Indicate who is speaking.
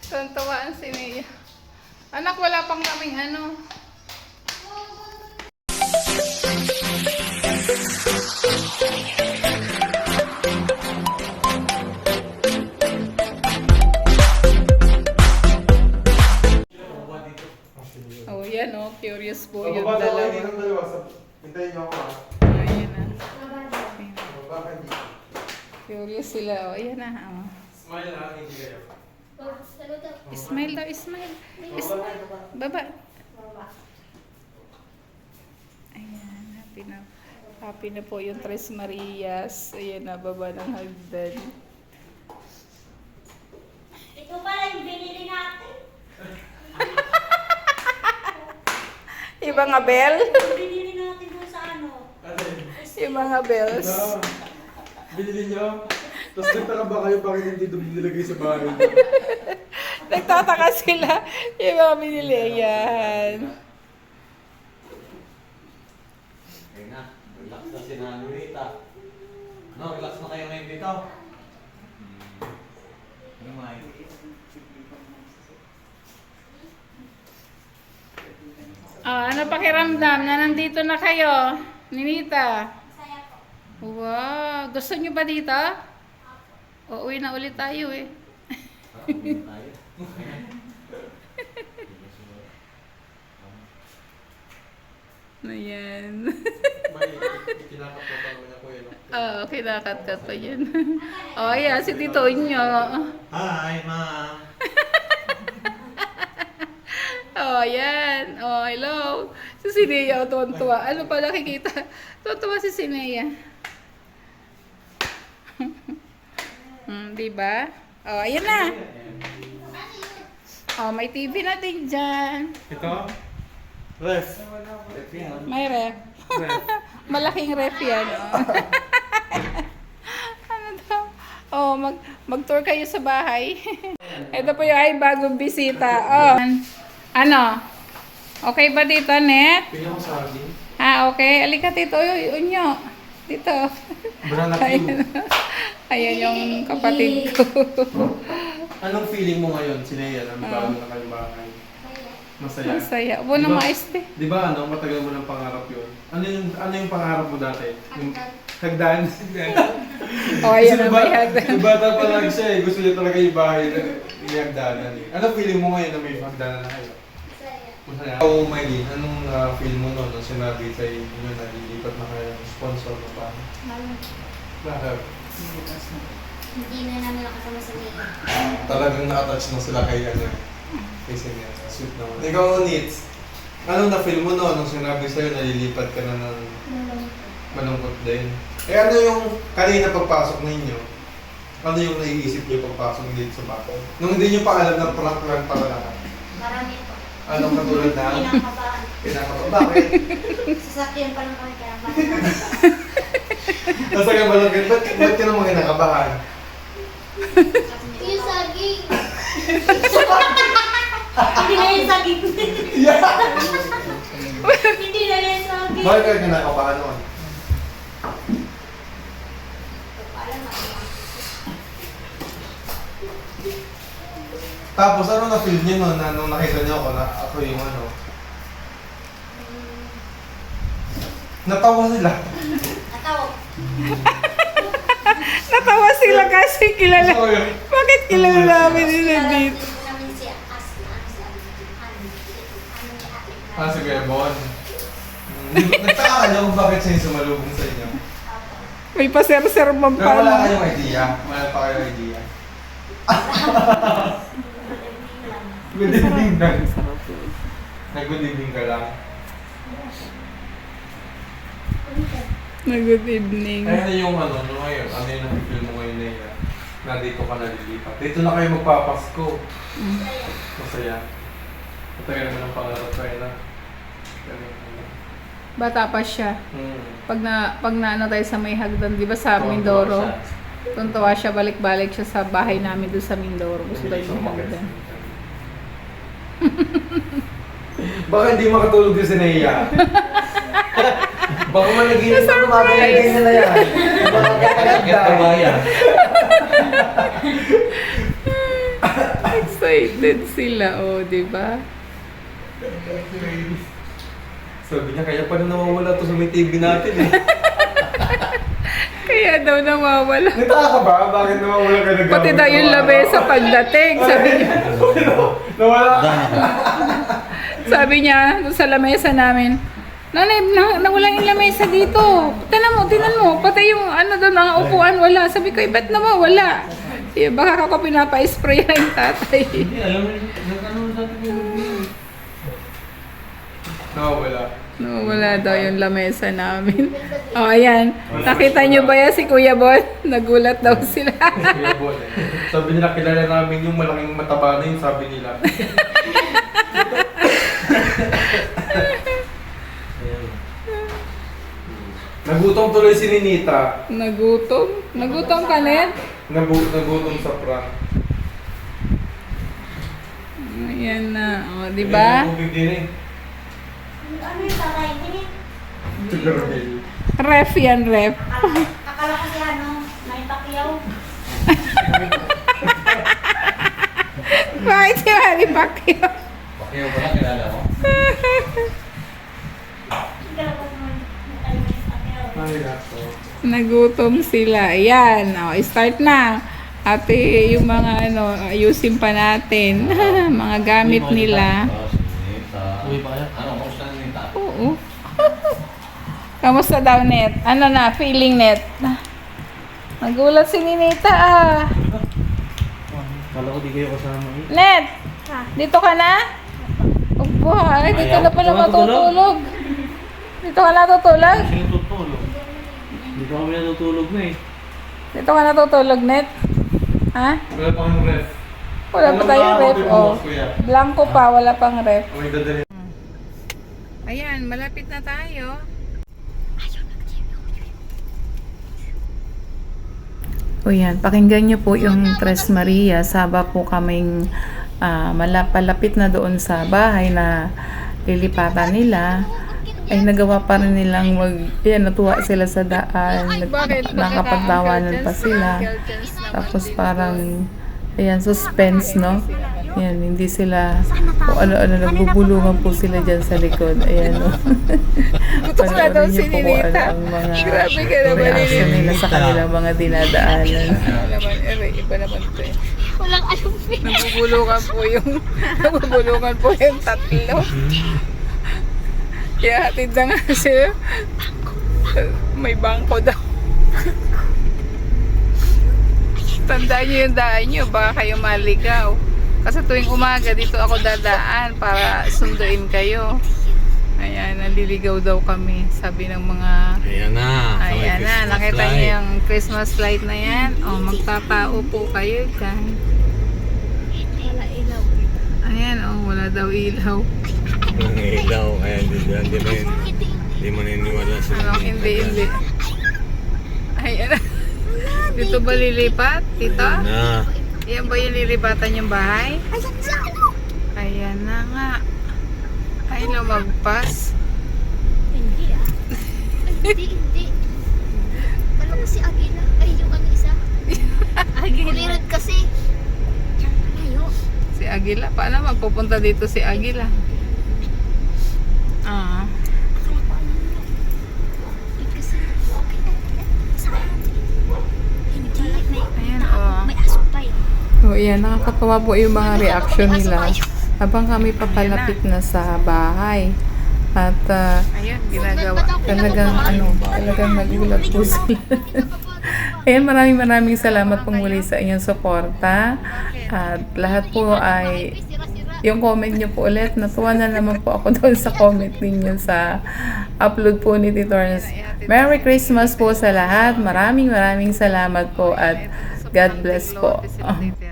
Speaker 1: Tuwaan si Nia. Anak, wala pang kaming ano. Oh, yan oh. Curious po yung dalawa.
Speaker 2: Hintayin niyo ako ha.
Speaker 1: Ayan na. Curious sila. Oh, ayan na. Oh.
Speaker 2: Smile ha, hindi kayo.
Speaker 1: Smile daw, smile. Baba. Ayan, happy na po yung Tres Marias. Ayan na, baba ng hagdan.
Speaker 3: Ito pala yung binili natin.
Speaker 1: Yung mga bell.
Speaker 3: Yung binili natin doon sa ano.
Speaker 1: Yung mga bells.
Speaker 2: Binili niyo? Tapos nagtaka ba kayo bakit hindi doon nilagay sa bahay?
Speaker 1: Nagtataka sila. Yung mga binili. Ayan.
Speaker 4: Ayun na, relax na si Nanay Rita. No, relax na kayo ngayon dito. Lumay.
Speaker 1: Ano pakiramdam na nandito na kayo? Ninita.
Speaker 3: Masaya po.
Speaker 1: Wow. Gusto nyo ba dito? Uuwi na ulit tayo eh.
Speaker 4: Uwi tayo.
Speaker 1: Ayan.
Speaker 2: May kinakap ko pa naman ako yun.
Speaker 1: Oo, kinakat-kat pa yun. Oh, ayan, si Tito Unyo.
Speaker 4: Hi, Ma'am.
Speaker 1: Oh, ayan. Oh, hello. Si Sinea, tuwan-tuwa. Ano pa nakikita? Tuwan-tuwa si Sinea. Diba? Oh, ayan na. Oh, may TV natin dyan.
Speaker 2: Ito? Ref.
Speaker 1: May ref. Malaking ref yan. Oh. Ano daw? Oh, mag-tour kayo sa bahay. Ito po yung ay bagong bisita. Oh. Ano? Okay ba dito, Net?
Speaker 2: Pili ko sa akin.
Speaker 1: Ah, okay. Alika, Tito Unyo. Dito.
Speaker 2: Banana
Speaker 1: Ayan. Ayan yung kapatid ko.
Speaker 2: Anong feeling mo ngayon, Sinea, na magkaroon na kayong bahay? Masaya.
Speaker 1: Masaya. Ubo na maiste.
Speaker 2: Di ba ano, matagal mo ng pangarap yun? Ano yung pangarap mo dati? Yung hagdan?
Speaker 1: Oh, ayan na may hagdan.
Speaker 2: Yung bata pa lang siya eh, gusto niya talaga yung bahay na yung hagdanan eh. Anong feeling mo ngayon na may hagdanan na kayo?
Speaker 3: Masaya.
Speaker 2: Masaya. Ikaw, Maylin, anong feel mo noon nung sinabi sa inyo na lilipat na kayo ng sponsor mo pa? Bakit?
Speaker 3: Hindi na namin nakasama sa Mia.
Speaker 2: Talagang na-attach na sila kay ano kay Sinea. Sweet naman. Ikaw, Nits, anong na-feel mo noon nung sinabi sa'yo na lilipat ka na ng malungkot din? Eh ano yung kanina pagpasok ninyo? Ano yung naiisip niyo pagpasok dito sa bahay? Nung hindi niyo pa alam na prank lang pala lahat.
Speaker 3: Marami po.
Speaker 2: Anong katulad na?
Speaker 3: Kinakabahan.
Speaker 2: Kinakabahan. Bakit?
Speaker 3: Sasakyan pa lang kami kinabahan.
Speaker 2: Nasa ka ba lang? Ba't ka naman kinakabahan?
Speaker 3: Yung saging. Hindi na yung saging. Hindi na yung saging.
Speaker 2: Bakit ka kinakabahan noon?
Speaker 3: Alam mo.
Speaker 2: Tapos ano na-feel niyo noon na nung nakita niyo ako na ako yung ano? Natawa sila.
Speaker 3: Natawa.
Speaker 1: Natawa sila kasi kilala.
Speaker 2: So, yun.
Speaker 1: Bakit kilala namin nila dito?
Speaker 3: Namin si Asna.
Speaker 2: Ah, si Kuya Bon. Nagtaka ka niyo kung bakit siya yung sumalubong sa inyo.
Speaker 1: May paser-ser man
Speaker 2: Pero wala
Speaker 1: pa.
Speaker 2: kayong idea. Wala pa kayong idea. Good evening lang. Nag-good evening ka lang.
Speaker 1: Good evening.
Speaker 2: Kaya na yung ano ngayon, ano yung nakikil mo ngayon na dito ka nalilipat. Dito na kayo magpapasko. Masaya. Matagal naman ang pangarap kayo na.
Speaker 1: Bata pa siya. Pag na ano tayo sa may hagdan, di ba sa
Speaker 2: Tuwan-tuwa
Speaker 1: Mindoro?
Speaker 2: siya.
Speaker 1: Tuntua siya, balik-balik siya sa bahay namin doon sa Mindoro. Gusto daw yung hagdan.
Speaker 2: Baka hindi makatulog yung Sinea. Baka malaginip na tumatay na yan.
Speaker 4: Get the bayan.
Speaker 1: Excited. Excited sila, oh, di ba?
Speaker 2: Sabi niya, kaya pa na nawawala to sa may TV natin eh.
Speaker 1: Kaya daw nawawala.
Speaker 2: Nagtaka ka ba? Bakit nawawala ka nag-
Speaker 1: Pati daw yung lamesa pagdating, sabi niya.
Speaker 2: Nawala.
Speaker 1: Sabi niya, doon sa lamesa namin, Nanay, nawala yung lamesa dito. Tinan mo, pati yung ano doon, ang upuan, wala. Sabi ko, ba't nawawala? Eh, baka ako pinapa-spray na yung tatay.
Speaker 4: Hindi, alam mo, nag-ano sa atin yung
Speaker 2: Nawawala.
Speaker 1: Nawala daw yung lamesa namin. O, ayan. Nakita niyo ba yan si Kuya Bon? Nagulat daw sila.
Speaker 2: Kuya Bon eh. Sabi nila, kilala namin yung malaking mataba na yun, sabi nila. Nagutom tuloy si Ninita.
Speaker 1: Nagutom? Nagutom ka, Ned?
Speaker 2: Nagutom sa prank.
Speaker 1: Ayan na. O, di ba?
Speaker 2: Ayun, tubig din eh.
Speaker 3: Ano yung tatay? Hindi.
Speaker 2: Tugarbil.
Speaker 1: Ref yan, ref.
Speaker 3: Akala ko si ano, may pakyaw.
Speaker 1: Bakit si Manny Pacquiao?
Speaker 4: Bakit ba na kilala mo?
Speaker 3: Akala ko may pakyaw.
Speaker 2: Ay, nako.
Speaker 1: Nagutom sila. Ayan. O, start na. Ate, yung mga ano, ayusin pa natin. Mga gamit nila.
Speaker 4: Uwi pa kaya? Ano, kamusta na Nita?
Speaker 1: Oo. Kamusta daw, Net? Ano na, feeling, Net? Nagulat si Ninita, ah.
Speaker 2: Kala ko di kayo kasama eh.
Speaker 1: Net! Dito ka na? Opo, ay, dito na pala matutulog. Dito ka natutulog?
Speaker 4: Sino tutulog? Hindi pa kami natutulog na eh.
Speaker 1: Dito ka natutulog, Net? Ha?
Speaker 2: Wala pang ref.
Speaker 1: Wala pa tayong ref, oh.
Speaker 2: Kuya.
Speaker 1: Blanco pa, wala pang ref.
Speaker 2: May dadali.
Speaker 1: Ayan, malapit na tayo. O yan, pakinggan niyo po yung Tres Maria. Saba po kaming palapit na doon sa bahay na lilipatan nila. Ay nagawa pa rin nilang natuwa sila sa daan. Nakapagtawanan pa sila. Tapos parang, ayan, suspense, no? Ayan, hindi sila, o ano-ano, nagbubulungan po sila dyan sa likod. Ayan, no?
Speaker 3: Gusto na daw si
Speaker 1: Ninita.
Speaker 3: Ninita.
Speaker 1: Ang mga
Speaker 3: Grabe ka naman,
Speaker 1: reaction nila
Speaker 4: Ninita.
Speaker 1: sa kanilang mga dinadaanan. Iba naman ito eh.
Speaker 3: Walang alam eh.
Speaker 1: Nagbubulungan po yung tatlo. Kaya hatid na nga sila. May bangko daw. Tandaan nyo yung daan nyo, baka kayo maligaw. Kasi tuwing umaga dito ako dadaan para sunduin kayo. Ayan, naliligaw daw kami, sabi ng mga...
Speaker 4: Ayan na.
Speaker 1: Ayan na, nakita niyo yung Christmas light na yan. O, magtatao po kayo dyan.
Speaker 3: Wala ilaw.
Speaker 1: Ayan, wala daw ilaw.
Speaker 4: Ang ilaw. Ayan, hindi maniniwala sila.
Speaker 1: Anong hindi. Ayan na. Dito ba lilipat? Dito?
Speaker 4: Na.
Speaker 1: Yan ba yung lilipatan yung bahay?
Speaker 3: Ayan sa ano?
Speaker 1: Ayan na nga. Ay, lumagpas.
Speaker 3: Hindi ah. Hindi. Ano kasi Agila? Ay, yung ano isa? Kulirot kasi. Layo.
Speaker 1: Si Agila. Paano magpupunta dito si Agila? Ah.
Speaker 3: Akala ko ano yun. Eh, kasi, okay. Saan? Hindi.
Speaker 1: Ayan, oh.
Speaker 3: May aso pa eh.
Speaker 1: So, yan. Nakakatawa po yung mga reaction nila. Habang kami papalapit na sa bahay. At ayun, ginagawa. Talagang nagulat po sila. Ayan, maraming salamat pong muli sa inyong suporta. At lahat po ay yung comment nyo po ulit. Natuwa na naman po ako doon sa comment ninyo sa upload po ni Tito Ernest. Merry Christmas po sa lahat. Maraming salamat po at God bless po.